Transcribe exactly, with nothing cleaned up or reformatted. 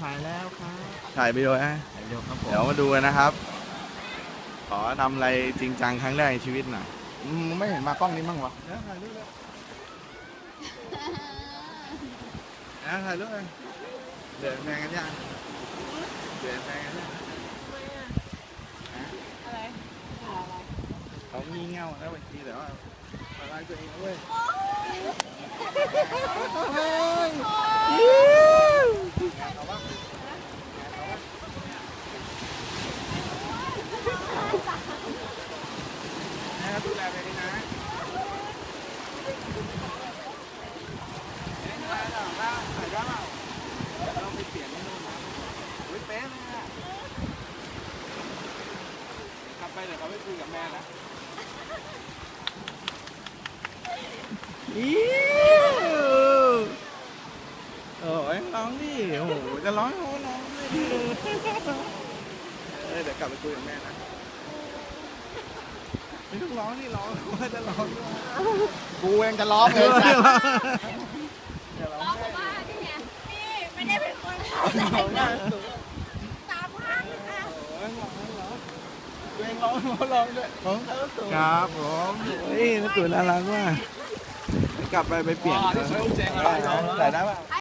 ถ่ายแล้วครับถ่ายวิดีโอนะถ่ายเร็วครับผมเดี๋ยวมาดูกันนะครับ ขอทำอะไรจริงจังครั้งแรกในชีวิตหน่อยอืมไม่เห็นมากล้องนี้มั่งวะเดี๋ยวถ่ายรูปเลยเดี๋ยวถ่ายรูปเลยเดินแฟนกันยังเดินแฟนกันยังอะไรเขามีเงาแล้วบางทีแต่ว่าอะไรตัวเองเว้ยนะครับดูแลไปดีนะเอ๊ะอะไรหรอว่าถ่ายได้เปล่าเราไปเปลี่ยนที่นู่นนะอุ้ยเป๊ะเลยอะกลับไปเดี๋ยวเขาไปคุยกับแม่นะอิ๊วโอ้ยร้องดิโอ้โหจะร้องโอ้ร้องเลยดิเออเดี๋ยวกลับไปคุยกับแม่นะไม่ต้องร้องนี่ร้องว่าจะร้องด้วยกูเองจะร้องเลยอย่าร้องร้องแม่ว่าที่เนี่ยนี่ไม่ได้เป็นคนทำร้องแม่ตามห้างค่ะโอ้ยร้องร้องตัวเองร้องร้องด้วยร้องครับผมเฮ้ยน่าตื่นน่ารักมากกลับไปไปเปลี่ยนอ๋อนี่เชลเจ๋งอะไรใส่ได้ป่ะ